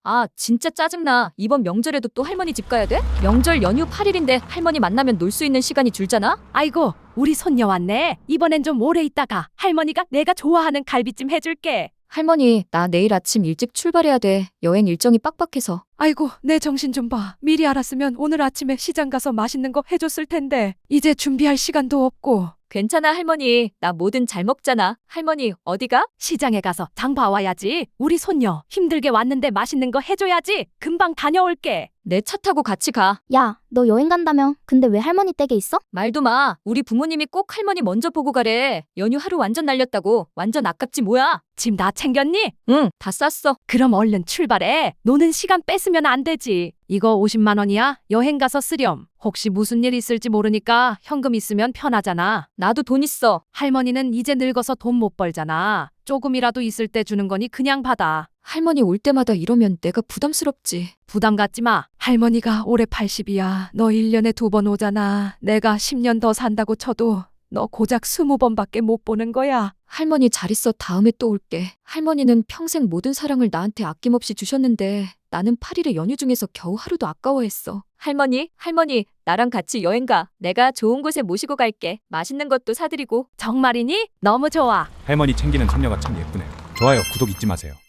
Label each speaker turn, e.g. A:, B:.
A: 아, 진짜 짜증나. 이번 명절에도 또 할머니 집 가야 돼? 명절 연휴 8일인데 할머니 만나면 놀 수 있는 시간이 줄잖아?
B: 아이고, 우리 손녀 왔네. 이번엔 좀 오래 있다가 할머니가 내가 좋아하는 갈비찜 해줄게.
A: 할머니, 나 내일 아침 일찍 출발해야 돼. 여행 일정이 빡빡해서.
B: 아이고, 내 정신 좀 봐. 미리 알았으면 오늘 아침에 시장 가서 맛있는 거 해줬을 텐데. 이제 준비할 시간도 없고.
A: 괜찮아, 할머니. 나 뭐든 잘 먹잖아. 할머니, 어디가?
B: 시장에 가서 장 봐와야지. 우리 손녀 힘들게 왔는데 맛있는 거 해줘야지. 금방 다녀올게.
A: 내 차 타고 같이 가.
C: 야, 너 여행 간다며? 근데 왜 할머니 댁에 있어?
A: 말도 마. 우리 부모님이 꼭 할머니 먼저 보고 가래. 연휴 하루 완전 날렸다고. 완전 아깝지 뭐야.
B: 짐 다 챙겼니?
A: 응, 다 쌌어.
B: 그럼 얼른 출발해. 노는 시간 뺏으면 안 되지. 이거 50만 원이야? 여행 가서 쓰렴. 혹시 무슨 일 있을지 모르니까 현금 있으면 편하잖아.
A: 나도 돈 있어.
B: 할머니는 이제 늙어서 돈 못 벌잖아. 조금이라도 있을 때 주는 거니 그냥 받아.
A: 할머니 올 때마다 이러면 내가 부담스럽지.
B: 부담 갖지 마. 할머니가 올해 80이야. 너 1년에 2번 오잖아. 내가 10년 더 산다고 쳐도 너 고작 20번밖에 못 보는 거야.
A: 할머니 잘 있어. 다음에 또 올게. 할머니는 평생 모든 사랑을 나한테 아낌없이 주셨는데 나는 8일의 연휴 중에서 겨우 하루도 아까워했어. 할머니, 나랑 같이 여행 가. 내가 좋은 곳에 모시고 갈게. 맛있는 것도 사드리고.
B: 정말이니? 너무 좋아.
D: 할머니 챙기는 손녀가 참 예쁘네요. 좋아요, 구독 잊지 마세요.